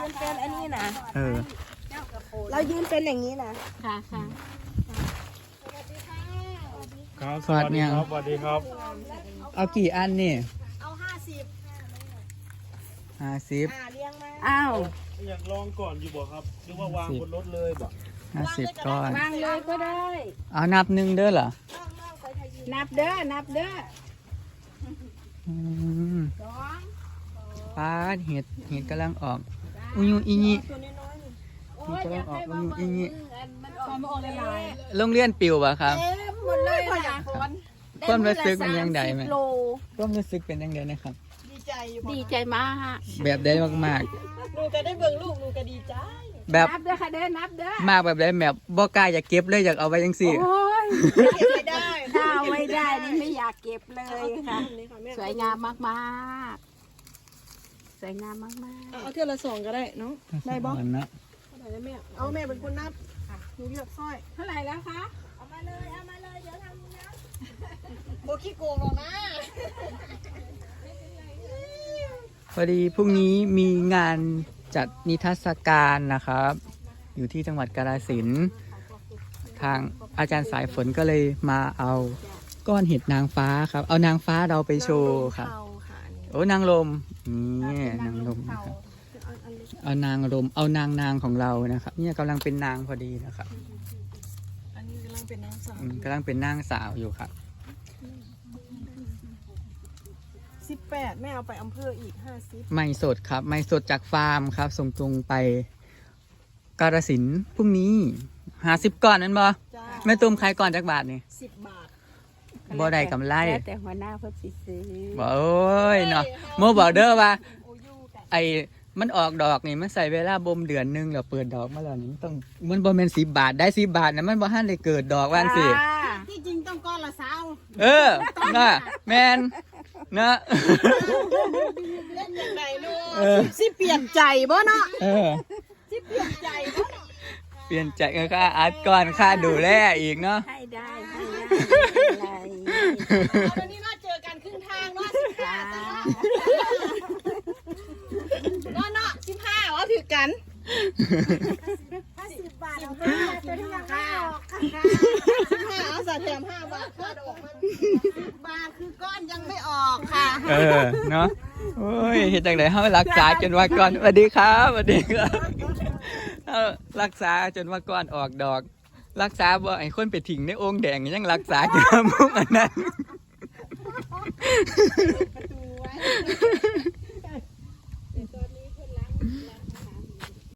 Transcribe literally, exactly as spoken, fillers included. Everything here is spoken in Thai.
ยืนเป็นอันนี้นะเออเรายืนเป็นอย่างนี้นะค่ะค่ะครับสวัสดีครับสวัสดีครับเอากี่อันนี่เอาห้าสิบห้าสิบอ่าเลี้ยงมาอ้าวอยากลองก่อนอยู่บ่ครับหรือว่าวางบนรถเลยบ่ห้าสิบก้อนวางเลยก็ได้เอานับหนึ่งเด้อเหรอนับเด้อนับเด้ออืมสองปลาเห็ดเห็ดกำลังออกอุยุอีนี่ตัวน้อยๆนี่โอ้ยอยากให้ว่าว่าอืมอันมันออกมาออกลายโรงเรียนปิวปะครับเต็มหมดเลยค่ะความรู้สึกเป็นยังไงไหมด้มื้อละสาสิบโลความรู้สึกเป็นยังไงนะครับดีใจอยู่ดีใจมากแบบได้มากหนูก็ได้เบิ่งลูกหนูก็ดีใจๆ แบบนับเด้อค่ะเด้อนับเด้อมากแบบได้แบบบ่กล้าอยากเก็บเลยอยากเอาไว้ยังสี่โอ้ยเก็บไม่ได้ถ้าเอาไม่ได้นี่ไม่อยากเก็บเลยค่ะนี่ค่ะแม่สวยงามมากๆ สวยงามมากเอาเท่าละสองก็ได้เนาะได้บ่อันนะเอาไหนนะแม่เอาแม่เป็นคนนับหนูเลือกสร้อยๆ เท่าไหร่แล้วคะเอามาเลยเอามาเลยเดี๋ยวทำนะโบขี้โกงหรอกนะพอดีพรุ่งนี้มีงานจัดนิทรรศการนะครับ อยู่ที่จังหวัดกาฬสินธุ์ทางอาจารย์สายฝนก็เลยมาเอาก้อนเห็ดนางฟ้าครับ เอานางฟ้าเราไปโชว์ครับเอาค่ะอันนี้โอ้นางลมนี่นางลมนะครับเอานางลมเอานางนางของเรานะครับเนี่ยกำลังเป็นนางพอดีนะครับอันนี้กำลังเป็นนางสาวอืมกำลังเป็นนางสาวอยู่ครับสิบแปดแม่เอาไปอำเภออีกห้าสิบไม่สดครับไม่สดจากฟาร์มครับ ส่งตรงไปกาฬสินธุ์พรุ่งนี้หาสิบก่อนนั่นบ่จ้าแม่ตุ้มขายก่อนจากบาทนี่สิบบาทบ่ได้กำไรแล้วแต่หัวหน้าเพิ่นสิซื้อบอกโอ้ยเนาะโมบอกเด้อว่าโอยูกันไอ้มันออกดอกนี่มันใส่เวลาบ่มเดือนหนึงแล้วเปิดดอกมาแล้วนี่มันต้องมันบ่แม่นสิบบาทได้สิบบาทนะมันบ่ทันได้เกิดดอกว่างสิจ้าที่จริงต้องก้อนละสาวเออน่ะแม่นนะเล่นอย่างไรลูกเออสิเปลี่ยนใจบ่เนาะเออสิเปลี่ยนใจบ่เนาะเปลี่ยนใจก็ค่าอัดก่อนค่าดูแลอีกเนาะให้ได้ให้ได้เอาวันนี้มาเจอกันครึ่งทางเนาะสิบห้าเนาะเนาะสิบห้าว่าถือกันสิบบาทเอาห้าเป็นห้าค่ะสิบห้าเอาสาแถมห้าบาทค่าดอกมันสิบบาทคือก้อนยังไม่ออกค่ะเออเนาะโอ้ยเฮ็ดจังได๋เฮารักษาจนว่าก่อนสวัสดีครับสวัสดีครับเฮารักษาจนว่าก่อนออกดอก รักษาบ่ให้คนไปทิ้งในโอ่งแดงยังรักษาอยู่มุกอันนั้นประตูไว้